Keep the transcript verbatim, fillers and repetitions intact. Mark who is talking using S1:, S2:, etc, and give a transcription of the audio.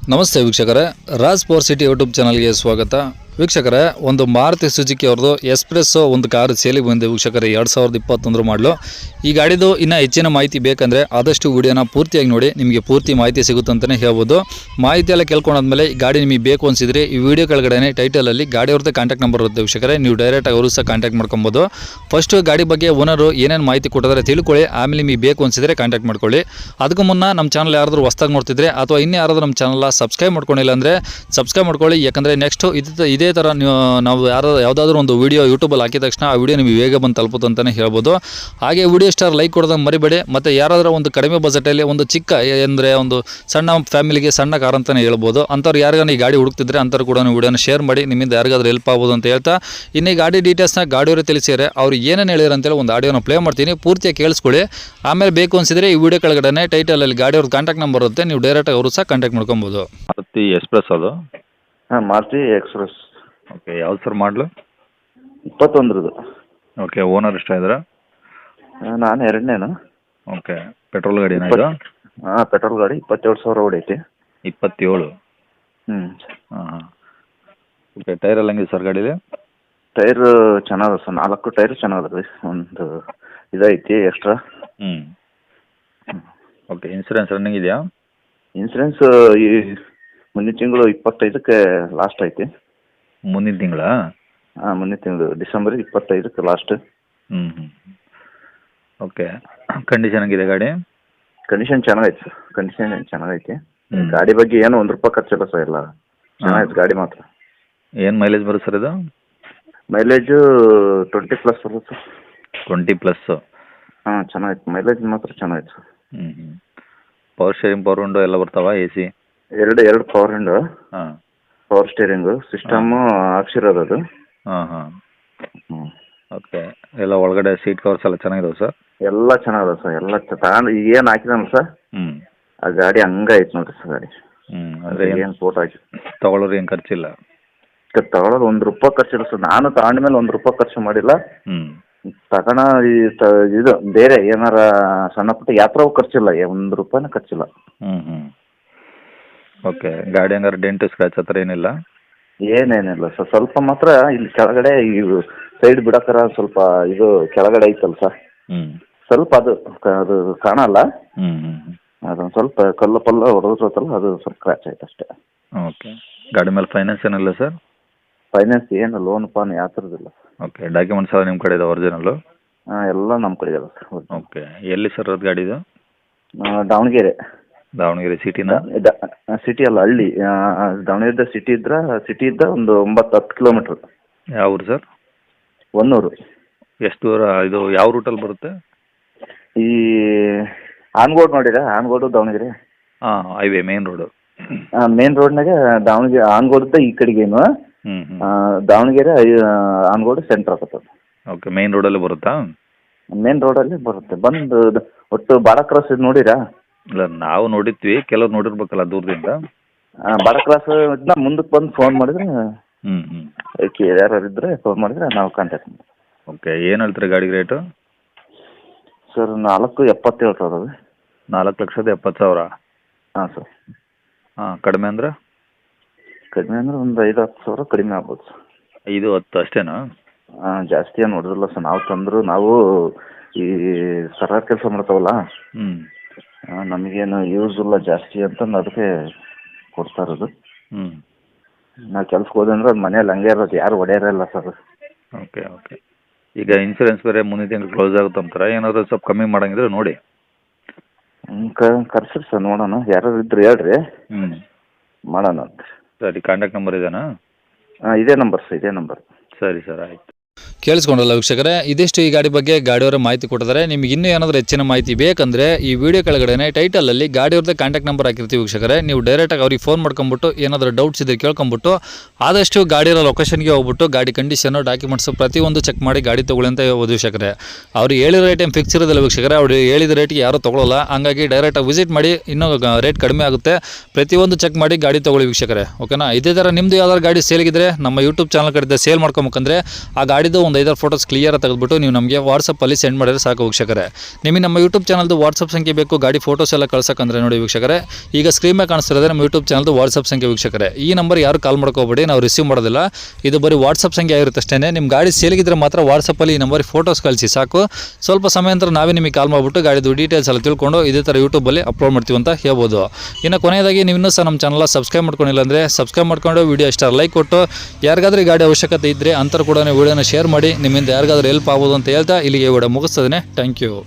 S1: ನಮಸ್ತೆ ವೀಕ್ಷಕರೇ, Raj power city YouTube ಚಾನಲ್ಗೆ ಸ್ವಾಗತ. ವೀಕ್ಷಕರೇ, ಒಂದು ಮಾರುತಿ ಸುಜುಕಿ ಅವ್ರದ್ದು ಎಸ್ಪ್ರೆಸ್ಸೋ ಒಂದು ಕಾರು ಸೇಲಿಗೆ ಬಂದಿದೆ ವೀಕ್ಷಕರೇ. ಎರಡು ಸಾವಿರದ ಇಪ್ಪತ್ತೊಂದರ ಮಾಡಲು. ಈ ಗಾಡಿದು ಇನ್ನೂ ಹೆಚ್ಚಿನ ಮಾಹಿತಿ ಬೇಕಂದರೆ ಆದಷ್ಟು ವಿಡಿಯೋನ ಪೂರ್ತಿಯಾಗಿ ನೋಡಿ, ನಿಮಗೆ ಪೂರ್ತಿ ಮಾಹಿತಿ ಸಿಗುತ್ತೆ ಅಂತಲೇ ಹೇಳ್ಬೋದು. ಮಾಹಿತಿ ಎಲ್ಲ ಕೇಳ್ಕೊಂಡಾದ್ಮೇಲೆ ಈ ಗಾಡಿ ನಿಮಗೆ ಬೇಕು ಅನಿಸಿದರೆ ಈ ವಿಡಿಯೋ ಕೆಳಗಡೆ ಟೈಟಲಲ್ಲಿ ಗಾಡಿ ಅವ್ರದ್ದು ಕಾಂಟ್ಯಾಕ್ಟ್ ನಂಬರ್ ಇರುತ್ತೆ ವೀಕ್ಷಕರೇ. ನೀವು ಡೈರೆಕ್ಟಾಗಿ ಅವರು ಸಹ ಕಾಂಟ್ಯಾಕ್ಟ್ ಮಾಡ್ಕೊಬೋದು. ಫಸ್ಟು ಗಾಡಿ ಬಗ್ಗೆ ಓನರು ಏನೇನು ಮಾಹಿತಿ ಕೊಟ್ಟಿದ್ದಾರೆ ತಿಳ್ಕೊಳ್ಳಿ, ಆಮೇಲೆ ನಿಮಗೆ ಬೇಕು ಅನಿಸಿದರೆ ಕಾಂಟ್ಯಾಕ್ಟ್ ಮಾಡ್ಕೊಳ್ಳಿ. ಅದಕ್ಕೂ ಮುನ್ನ ನಮ್ಮ ಚಾನಲ್ ಯಾರಾದರೂ ಹೊಸ್ದಾಗಿ ನೋಡ್ತಿದ್ರೆ ಅಥವಾ ಇನ್ನೂ ಯಾರಾದರೂ ನಮ್ಮ ಚಾನಲ್ ಸಬ್ಸ್ಕ್ರೈಬ್ ಮಾಡ್ಕೊಂಡಿಲ್ಲ ಅಂದರೆ ಸಬ್ಸ್ಕ್ರೈಬ್ ಮಾಡ್ಕೊಳ್ಳಿ. ಯಾಕಂದರೆ ನೆಕ್ಸ್ಟು ಇದು ಇದೇ ಥರ ನೀವು ನಾವು ಯಾರು ಯಾವುದಾದ್ರೂ ಒಂದು ವೀಡಿಯೋ ಯೂಟ್ಯೂಬಲ್ಲಿ ಹಾಕಿದ ತಕ್ಷಣ ಆ ವಿಡಿಯೋ ನಿಮಗೆ ಬೇಗ ಬಂದು ತಲುಪುತ್ತೆ ಅಂತಲೇ ಹೇಳ್ಬೋದು. ಹಾಗೆ ವಿಡಿಯೋ ಸ್ಟಾರ್ ಲೈಕ್ ಕೊಡೋದನ್ನು ಮರಿಬೇಡಿ. ಮತ್ತು ಯಾರಾದರೂ ಒಂದು ಕಡಿಮೆ ಬಜೆಟಲ್ಲಿ ಒಂದು ಚಿಕ್ಕ ಅಂದರೆ ಒಂದು ಸಣ್ಣ ಫ್ಯಾಮಿಲಿಗೆ ಸಣ್ಣ ಕಾರ್ ಅಂತಲೇ ಹೇಳ್ಬೋದು, ಅಂಥವ್ರು ಯಾರಿಗಾನ ಈ ಗಾಡಿ ಹುಡುಕ್ತಿದ್ರೆ ಅಂಥವ್ರು ಕೂಡ ವಿಡಿಯೋನ ಶೇರ್ ಮಾಡಿ, ನಿಮ್ಮಿಂದ ಯಾರಿಗಾದ್ರೂ ಹೆಲ್ಪ್ ಆಗ್ಬೋದು ಅಂತ ಹೇಳ್ತಾ, ಇನ್ನು ಈ ಗಾಡಿ ಡೀಟೇಲ್ಸ್ನ ಗಾಡಿಯವರೇ ತಿಳಿಸಿದರೆ ಅವ್ರು ಏನೇನು ಹೇಳಿದ್ರು ಅಂತೇಳಿ ಒಂದು ಆಡಿಯೋನ ಪ್ಲೇ ಮಾಡ್ತೀನಿ, ಪೂರ್ತಿಯಾಗಿ ಕೇಳಿಸ್ಕೊಳ್ಳಿ. ಆಮೇಲೆ ಬೇಕು ಅನಿಸಿದರೆ ಈ ವಿಡಿಯೋ ಕೆಳಗಡೆ ಟೈಟಲಲ್ಲಿ ಗಾಡಿಯವ್ರದ್ದು ಕಾಂಟ್ಯಾಕ್ಟ್ ನಂಬರ್ ಇರುತ್ತೆ, ನೀವು ಡೈರೆಕ್ಟಾಗಿ ಅವರು ಸಹ ಕಾಂಟ್ಯಾಕ್ಟ್ ಮಾಡ್ಕೊಬೋದು.
S2: ಮಾರುತಿ ಎಕ್ಸ್ಪ್ರೆಸ್ ಅದು.
S3: ಹಾಂ, ಮಾರುತಿ ಎಕ್ಸ್ಪ್ರೆಸ್.
S2: ಓಕೆ, ಯಾವ್ದು ಸರ್ ಮಾಡಲು?
S3: ಇಪ್ಪತ್ತೊಂದರದು.
S2: ಓಕೆ, ಓನರ್ ಎಷ್ಟ ಇದ್ದಾರೆ?
S3: ನಾನು ಎರಡನೇನು.
S2: ಓಕೆ, ಪೆಟ್ರೋಲ್ ಗಾಡಿನಾ ಇದು?
S3: ಹಾಂ, ಪೆಟ್ರೋಲ್ ಗಾಡಿ. ಇಪ್ಪತ್ತೇಳು ಸಾವಿರ ಹೊಡೈತಿ.
S2: ಇಪ್ಪತ್ತೇಳು.
S3: ಹ್ಞೂ.
S2: ಹಾಂ ಹಾಂ. ಓಕೆ, ಟೈರ್ ಎಲ್ಲ ಹೆಂಗಿದೆ ಸರ್ ಗಾಡೀಲಿ?
S3: ಟೈರ್ ಚೆನ್ನಾಗದ ಸರ್, ನಾಲ್ಕು ಟೈರ್ ಚೆನ್ನಾಗದ ರೀ. ಒಂದು ಇದೈತಿ ಎಕ್ಸ್ಟ್ರಾ.
S2: ಹ್ಞೂ. ಓಕೆ, ಇನ್ಸೂರೆನ್ಸ್ ರನ್ನಿಂಗ್ ಇದೆಯಾ?
S3: ಇನ್ಸೂರೆನ್ಸ್ ಈ ಮುಂದಿನ ತಿಂಗಳು ಇಪ್ಪತ್ತೈದಕ್ಕೆ ಲಾಸ್ಟ್ ಐತಿ.
S2: ಮುಂದಿನ ತಿಂಗಳಾ?
S3: ಹಾಂ, ಮುಂದಿನ ತಿಂಗಳು ಡಿಸೆಂಬರ್ ಇಪ್ಪತ್ತೈದಕ್ಕೆ ಲಾಸ್ಟ್.
S2: ಹ್ಞೂ ಹ್ಞೂ. ಓಕೆ, ಕಂಡೀಷನ್ ಹೆಂಗಿದೆ ಗಾಡಿ?
S3: ಕಂಡೀಷನ್ ಚೆನ್ನಾಗೈತೆ ಸರ್, ಕಂಡೀಷನ್ ಚೆನ್ನಾಗೈತಿ. ಗಾಡಿ ಬಗ್ಗೆ ಏನು ಒಂದು ರೂಪಾಯಿ ಖರ್ಚಿಲ್ಲ ಸರ್, ಎಲ್ಲ ಚೆನ್ನಾಗೈತೆ ಗಾಡಿ ಮಾತ್ರ.
S2: ಏನು ಮೈಲೇಜ್ ಬರುತ್ತೆ ಸರ್ ಇದು?
S3: ಮೈಲೇಜು ಟ್ವೆಂಟಿ ಪ್ಲಸ್ ಬರುತ್ತೆ ಸರ್.
S2: Twenty plus?
S3: ಹಾಂ, ಚೆನ್ನಾಗೈತೆ ಮೈಲೇಜ್ ಮಾತ್ರ ಚೆನ್ನಾಗೈತೆ ಸರ್.
S2: ಹ್ಞೂ ಹ್ಞೂ. ಪವರ್ ಶೇರಿಂಗ್, ಪವರ್ ವಿಂಡೋ ಎಲ್ಲ ಬರ್ತಾವ? A C?
S3: ಎರಡು ಎರಡು ಪವರ್ ವಿಂಡೋ.
S2: ಹಾಂ.
S3: ಪವರ್ ಸ್ಟೇರಿಂಗು ಸಿಸ್ಟಮ್ಮು ಹಾಕ್ಸಿರೋದು ಅದು.
S2: ಹಾಂ ಹಾಂ.
S3: ಹ್ಞೂ.
S2: ಓಕೆ, ಎಲ್ಲ ಒಳಗಡೆ ಸೀಟ್ ಕವರ್ಸ್ ಎಲ್ಲ ಚೆನ್ನಾಗಿದಾವೆ ಸರ್?
S3: ಎಲ್ಲ ಚೆನ್ನಾಗದ ಸರ್, ಎಲ್ಲ ತಗೊಂಡು ಈಗ ಏನು ಹಾಕಿದಾನ ಸರ್,
S2: ಹ್ಞೂ,
S3: ಆ ಗಾಡಿ ಹಂಗೆ ಐತೆ ನೋಡಿರಿ ಸರ್ ಗಾಡಿ.
S2: ಹ್ಞೂ, ಅಂದರೆ
S3: ಏನು ಫೋಟೋ ಹಾಕಿ
S2: ತೊಗೊಳೋರು ಏನು ಖರ್ಚಿಲ್ಲ?
S3: ತಗೊಳ್ಳೋದು ಒಂದು ರೂಪಾಯಿ ಖರ್ಚಿಲ್ಲ ಸರ್. ನಾನು ತಗೊಂಡ ಮೇಲೆ ಒಂದು ರೂಪಾಯಿ ಖರ್ಚು ಮಾಡಿಲ್ಲ.
S2: ಹ್ಞೂ.
S3: ತಗೋಣ ಈ ತ ಇದು ಬೇರೆ ಏನಾರ ಸಣ್ಣ ಪುಟ್ಟ ಯಾತ್ರಾವು ಖರ್ಚಿಲ್ಲ, ಒಂದು ರೂಪಾಯಿನ ಖರ್ಚಿಲ್ಲ.
S2: ಹ್ಞೂ ಹ್ಞೂ. ಓಕೆ, ಗಾಡಿ ಹಂಗಾರೆ ಡೆಂಟು ಸ್ಕ್ರ್ಯಾಚ್ ಆ ಥರ ಏನಿಲ್ಲ?
S3: ಏನೇನಿಲ್ಲ ಸರ್, ಸ್ವಲ್ಪ ಮಾತ್ರ ಇಲ್ಲಿ ಕೆಳಗಡೆ ಈ ಸೈಡ್ ಬಿಡೋಕರ ಸ್ವಲ್ಪ ಇದು ಕೆಳಗಡೆ ಐತಲ್ಲ ಸರ್,
S2: ಹ್ಞೂ,
S3: ಸ್ವಲ್ಪ ಅದು ಅದು ಕಾಣಲ್ಲ.
S2: ಹ್ಞೂ ಹ್ಞೂ.
S3: ಅದೊಂದು ಸ್ವಲ್ಪ ಕಲ್ಲು ಪಲ್ಲು ಹೊಡೆದಿರ್ತಲ್ಲ, ಅದು ಸ್ವಲ್ಪ ಕ್ರ್ಯಾಚ್ ಆಯ್ತು ಅಷ್ಟೇ.
S2: ಓಕೆ, ಗಾಡಿ ಮೇಲೆ ಫೈನಾನ್ಸ್ ಏನಿಲ್ಲ ಸರ್?
S3: ಫೈನಾನ್ಸ್ ಏನು ಲೋನ್ ಪಾನ್ ಯಾವ ಥರದಿಲ್ಲ.
S2: ಓಕೆ, ಡಾಕ್ಯುಮೆಂಟ್ಸ್ ಎಲ್ಲ ನಿಮ್ಮ ಕಡೆ ಇದೆ ಒರಿಜಿನಲ್ಲು?
S3: ಹಾಂ, ಎಲ್ಲ ನಮ್ಮ ಕಡೆ ಇದೆ ಸರ್.
S2: ಓಕೆ, ಎಲ್ಲಿ ಸರ್ ಅದು ಗಾಡಿದು?
S3: ದಾವಣಗೆರೆ.
S2: ದಾವಣಗೆರೆ ಸಿಟಿನ?
S3: ಸಿಟಿ ಅಲ್ಲ, ಹಳ್ಳಿ. ದಾವಣಗೆರೆ ಸಿಟಿ ಇದ್ರೆ ಸಿಟಿ ಇದ್ದ ಒಂದು ಒಂಬತ್ತು ಹತ್ತು ಕಿಲೋಮೀಟ್ರ್.
S2: ಯಾವ ಊರು ಸರ್?
S3: ಒನ್ನೂರು.
S2: ಎಷ್ಟು ದೂರ ಇದು, ಯಾವ ರೂಟಲ್ಲಿ ಬರುತ್ತೆ?
S3: ಈ ಆನ್ಗೋಡ್ ನೋಡಿರಾ? ಆನ್ಗೋಡು ದಾವಣಗೆರೆ.
S2: ಹಾಂ, ಹೈವೇ ಮೇನ್ ರೋಡು.
S3: ಮೇನ್ ರೋಡ್ನಾಗೆ ದಾವಣಗೆರೆ ಆನ್ಗೋಡ್ದ ಈ ಕಡೆಗೇನು,
S2: ಹ್ಞೂ ಹ್ಞೂ.
S3: ದಾವಣಗೆರೆ ಆನ್ಗೋಡ್ ಸೆಂಟ್ರ್ ಆಗ್ತದೆ.
S2: ಓಕೆ, ಮೇನ್ ರೋಡಲ್ಲಿ ಬರುತ್ತಾ?
S3: ಮೇನ್ ರೋಡಲ್ಲಿ ಬರುತ್ತೆ. ಬಂದು ಒಟ್ಟು ಬಾಡ ಕ್ರಾಸ್ ಇದು ನೋಡಿರಾ?
S2: ಇಲ್ಲ, ನಾವು ನೋಡಿದ್ವಿ, ಕೆಲವ್ರು ನೋಡಿರ್ಬೇಕಲ್ಲ ದೂರದಿಂದ.
S3: ಬಾಡ ಕ್ರಾಸ್ ಇದನ್ನ ಮುಂದಕ್ಕೆ ಬಂದು ಫೋನ್ ಮಾಡಿದ್ರೆ,
S2: ಹ್ಞೂ ಹ್ಞೂ,
S3: ಯಾರು ಇದ್ದರೆ ಫೋನ್ ಮಾಡಿದ್ರೆ ನಾವು ಕಾಂಟ್ಯಾಕ್ಟ್ ಮಾಡ್ತೀವಿ.
S2: ಓಕೆ, ಏನು ಹೇಳ್ತೀರಿ ಗಾಡಿಗೆ ರೇಟು?
S3: ಸರ್, ನಾಲ್ಕು ಎಪ್ಪತ್ತೇಳು ಸಾವಿರ.
S2: ನಾಲ್ಕು ಲಕ್ಷದ ಎಪ್ಪತ್ತು ಸಾವಿರ?
S3: ಹಾಂ ಸರ್.
S2: ಹಾಂ, ಕಡಿಮೆ ಅಂದರೆ?
S3: ಕಡಿಮೆ ಅಂದರೆ ಒಂದು ಐದು ಹತ್ತು ಸಾವಿರ ಕಡಿಮೆ ಆಗ್ಬೋದು ಸರ್.
S2: ಐದು ಹತ್ತು ಅಷ್ಟೇನಾ?
S3: ಹಾಂ, ಜಾಸ್ತಿ ಏನು ನೋಡಿದ್ರಲ್ಲ ಸರ್, ನಾವು ತಂದರು ನಾವು ಈ ಸರ್ಕಾರ ಕೆಲಸ ಮಾಡ್ತಾವಲ್ಲ,
S2: ಹ್ಞೂ,
S3: ನಮಗೇನು ಯೂಸ್ ಇಲ್ಲ ಜಾಸ್ತಿ ಅಂತಂದು ಅದಕ್ಕೆ ಕೊಡ್ತಾ ಇರೋದು.
S2: ಹ್ಞೂ.
S3: ನಾವು ಕೆಲ್ಸಕ್ಕೆ ಹೋದೆ ಅಂದ್ರೆ ಅದು ಮನೇಲಿ ಹಂಗೆ ಇರೋದು, ಯಾರು ಹೊಡೆಯೋರಲ್ಲ ಸರ್.
S2: Okay okay. ಈಗ ಇನ್ಸೂರೆನ್ಸ್ ಬೇರೆ ಮುಂದಿನ ತಿಂಗಳು ಕ್ಲೋಸ್ ಆಗುತ್ತೆ ಅಂತಾರೆ, ಏನಾದರೂ ಸ್ವಲ್ಪ ಕಮ್ಮಿ ಮಾಡಂಗಿದ್ರೆ ನೋಡಿ.
S3: ಹ್ಞೂ, ಕ ಕರ್ಸಿರಿ ಸರ್, ನೋಡೋಣ. ಯಾರು ಇದ್ರೆ ಹೇಳ್ರಿ,
S2: ಹ್ಞೂ,
S3: ಮಾಡೋಣ ಅಂತ.
S2: ಸರಿ, ಕಾಂಟ್ಯಾಕ್ಟ್ ನಂಬರ್ ಇದೇನಾ?
S3: ಹಾಂ, ಇದೇ ನಂಬರ್ ಸರ್, ಇದೇ ನಂಬರ್.
S2: ಸರಿ ಸರ್, ಆಯಿತು.
S1: ಕೇಳಿಸ್ಕೊಂಡಲ್ಲ ವೀಕ್ಷಕರೇ, ಇದಿಷ್ಟು ಈ ಗಾಡಿ ಬಗ್ಗೆ ಗಾಡಿಯವರ ಮಾಹಿತಿ ಕೊಟ್ಟಿದ್ದಾರೆ. ನಿಮಗೆ ಇನ್ನೂ ಏನಾದರೂ ಹೆಚ್ಚಿನ ಮಾಹಿತಿ ಬೇಕಂದರೆ ಈ ವಿಡಿಯೋ ಕೆಳಗಡೆ ಟೈಟಲಲ್ಲಿ ಗಾಡಿಯವ್ರದ್ದೇ ಕಾಂಟ್ಯಾಕ್ಟ್ ನಂಬರ್ ಹಾಕಿರ್ತೀವಿ ವೀಕ್ಷಕರೇ. ನೀವು ಡೈರೆಕ್ಟಾಗಿ ಅವ್ರಿಗೆ ಫೋನ್ ಮಾಡ್ಕೊಂಬಿಟ್ಟು ಏನಾದರೂ ಡೌಟ್ಸ್ ಇದ್ದರೆ ಕೇಳ್ಕೊಂಬಿಟ್ಟು ಆದಷ್ಟು ಗಾಡಿರೋ ಲೊಕೇಶನ್ಗೆ ಹೋಗ್ಬಿಟ್ಟು ಗಾಡಿ ಕಂಡೀಷನು ಡಾಕ್ಯುಮೆಂಟ್ಸು ಪ್ರತಿಯೊಂದು ಚೆಕ್ ಮಾಡಿ ಗಾಡಿ ತೊಗೊಳ್ಳಿ ಅಂತ ಹೇಳ್ಬೋದು ವೀಕ್ಷಕರೇ. ಅವ್ರು ಹೇಳಿದ ರೇಟ್ ಏನು ಫಿಕ್ಸ್ ಇರೋದಿಲ್ಲ ವೀಕ್ಷಕರೇ, ಅವ್ರು ಹೇಳಿದ ರೇಟ್ಗೆ ಯಾರೂ ತೊಗೊಳ್ಳಲ್ಲ. ಹಂಗಾಗಿ ಡೈರೆಕ್ಟಾಗಿ ವಿಸಿಟ್ ಮಾಡಿ, ಇನ್ನೂ ರೇಟ್ ಕಡಿಮೆ ಆಗುತ್ತೆ. ಪ್ರತಿಯೊಂದು ಚೆಕ್ ಮಾಡಿ ಗಾಡಿ ತೊಗೊಳ್ಳಿ ವೀಕ್ಷಕರೇ, ಓಕೆನಾ? ಇದೇ ಥರ ನಿಮ್ಮದು ಯಾವ್ದಾದ್ರು ಗಾಡಿ ಸೇಲ್ಗಿದ್ರೆ ನಮ್ಮ ಯೂಟ್ಯೂಬ್ ಚಾನಲ್ ಕಡೆಯಿಂದ ಸೇಲ್ ಮಾಡ್ಕೊಬೇಕಂದ್ರೆ ಆ ಗಾಡಿದು ಒಂದು ಒಂದು ಐದಾರು ಫೋಟೋಸ್ ಕ್ಲಿಯರ್ ತೆಗೆದುಬಿಟ್ಟು ನೀವು ನಮಗೆ ವಾಟ್ಸಪ್ಪಲ್ಲಿ ಸೆಂಡ್ ಮಾಡಿದ್ರೆ ಸಾಕು ವೀಕ್ಷಕರೇ. ನಿಮಗೆ ನಮ್ಮ ಯೂಟ್ಯೂಬ್ ಚಾನಲ್ದು ವಾಟ್ಸಪ್ ಸಂಖ್ಯೆ ಬೇಕು ಗಾಡಿ ಫೋಟೋಸ್ ಎಲ್ಲ ಕಳ್ಸೋಕಂದ್ರೆ ನೋಡಿ ವೀಕ್ಷಕರೇ, ಈಗ ಸ್ಕ್ರೀನ್ ಮೇಲೆ ಕಾಣಿಸ್ತಿರೋದೇ ನಮ್ಮ ಯೂಟ್ಯೂಬ್ ಚಾನಲ್ದು ವಾಟ್ಸಪ್ ಸಂಖ್ಯೆ ವೀಕ್ಷಕರೇ. ಈ ನಂಬರ್ ಯಾರು ಕಾಲ್ ಮಾಡ್ಕೋಬೇಡಿ, ನಾವು ರಿಸೀವ್ ಮಾಡೋದಿಲ್ಲ. ಇದು ಬರೀ ವಾಟ್ಸಪ್ ಸಂಖ್ಯೆ ಆಗಿರುತ್ತೆ ಅಷ್ಟೇ. ನಿಮ್ಮ ಗಾಡಿ ಸೇಲಿಗಿದ್ರೆ ಮಾತ್ರ ವಾಟ್ಸಪ್ಪಲ್ಲಿ ಈ ನಂಬರ್ ಫೋಟೋಸ್ ಕಳಿಸಿ ಸಾಕು. ಸ್ವಲ್ಪ ಸಮಯ ನಂತರ ನಾವೇ ನಿಮಗೆ ಕಾಲ್ ಮಾಡಿಬಿಟ್ಟು ಗಾಡಿದು ಡೀಟೇಲ್ಸ್ ಎಲ್ಲ ತಿಳ್ಕೊಂಡು ಇದೇ ಥರ ಯೂಟ್ಯೂಬಲ್ಲಿ ಅಪ್ಲೋಡ್ ಮಾಡ್ತೀವಿ ಅಂತ ಹೇಳ್ಬೋದು. ಇನ್ನು ಕೊನೆಯದಾಗಿ ನೀವು ಇನ್ನೂ ಸಹ ನಮ್ಮ ಚಾನಲ್ ಸಬ್ಸ್ಕ್ರೈಬ್ ಮಾಡ್ಕೊಂಡಿಲ್ಲ ಅಂದರೆ ಸಬ್ಸ್ಕ್ರೈಬ್ ಮಾಡ್ಕೊಂಡು ವಿಡಿಯೋ ಇಷ್ಟ ಲೈಕ್ ಕೊಟ್ಟು ಯಾರಿಗಾದ್ರೂ ಈ ಗಾಡಿ ಅವಶ್ಯಕತೆ ಇದ್ದರೆ ಅಂಥವ್ರು ಕೂಡ ವಿಡಿಯೋನ ಶೇರ್ ಮಾಡಿ, ನಿಮ್ಮಿಂದ ಯಾರಿಗಾದ್ರೂ ಹೆಲ್ಪ್ ಆಗ್ಬೋದು ಅಂತ ಹೇಳ್ತಾ ಇಲ್ಲಿಗೆ ವಿಡಿಯೋ ಮುಗಿಸ್ತದೆ. Thank you.